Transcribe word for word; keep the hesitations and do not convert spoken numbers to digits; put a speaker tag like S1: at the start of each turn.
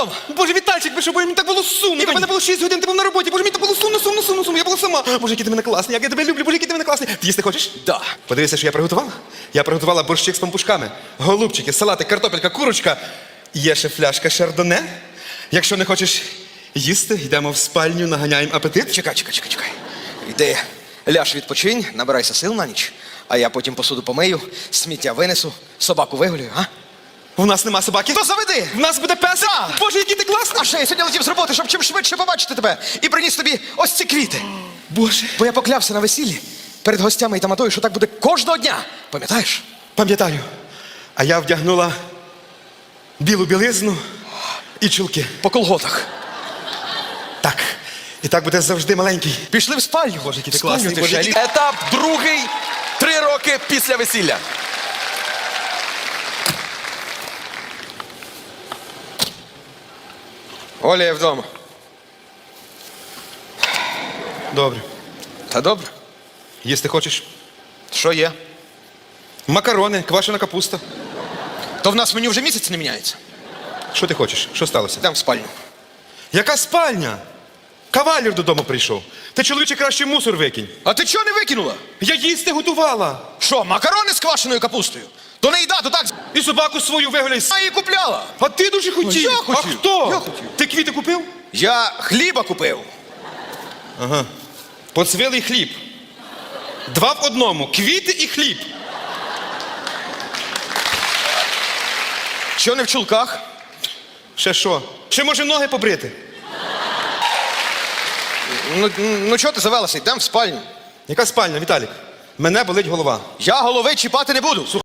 S1: вдома.
S2: Боже, Вітальчик, ви що, бо мені так було сумно. У мене було шість годин, ти був на роботі. Боже, мені так було сумно, сумно, сумно, сумно. Я була сама. Боже, який ти мене класний, як я тебе люблю. Боже, який ти мене класний. Ти їсти хочеш?
S1: Да.
S2: Подивися, що я приготувала. Я приготувала борщик з пампушками, голубчики, салати, картопелька, курочка. Є ще фляжка шардоне. Якщо не хочеш їсти, йдемо в спальню, наганяємо апетит.
S1: Чекай, чекай, чекай, чекай. Йди, ляж відпочинь, набирайся сил на ніч, а я потім посуду помию, сміття винесу, собаку вигулюю, а?
S2: У нас нема собаки.
S1: То заведи!
S2: В нас буде пес.
S1: Да.
S2: Боже, який ти класний.
S1: А ще я сьогодні летів з роботи, щоб чим швидше побачити тебе і приніс тобі ось ці квіти.
S2: Боже.
S1: Бо я поклявся на весіллі перед гостями і таматою, що так буде кожного дня. Пам'ятаєш?
S2: Пам'ятаю. А я вдягнула білу білизну і чулки.
S1: По колготах.
S2: Так. І так буде завжди маленький.
S1: Пішли в спальню.
S2: Боже, який ти
S1: В спальню
S2: класний,
S1: ти
S2: Боже,
S1: ще
S2: який-
S3: Етап другий. Три роки після весілля.
S1: Оля є вдома.
S2: Добре.
S1: Та добре.
S2: Їсти хочеш?
S1: Що є?
S2: Макарони, квашена капуста.
S1: То в нас меню вже місяць не міняється.
S2: Що ти хочеш? Що сталося?
S1: Йдемо в спальню.
S2: Яка спальня? Кавалір додому прийшов. Ти, чоловіче, краще мусор викинь.
S1: А ти чого не викинула?
S2: Я їсти готувала.
S1: Що, макарони з квашеною капустою? То не їда, то так.
S2: І собаку свою вигуляй.
S1: Я її купляла.
S2: А ти дуже хотів.
S1: Я хотів.
S2: А хто?
S1: Я хотів.
S2: Ти квіти купив?
S1: Я хліба купив.
S2: Поцвілий хліб. Два в одному. Квіти і хліб.
S1: Що не в чулках?
S2: Ще що? Ще може ноги побрити?
S1: Ну, ну чого ти завелася? Йдемо в спальню.
S2: Яка спальня, Віталік? Мене болить голова.
S1: Я голови чіпати не буду.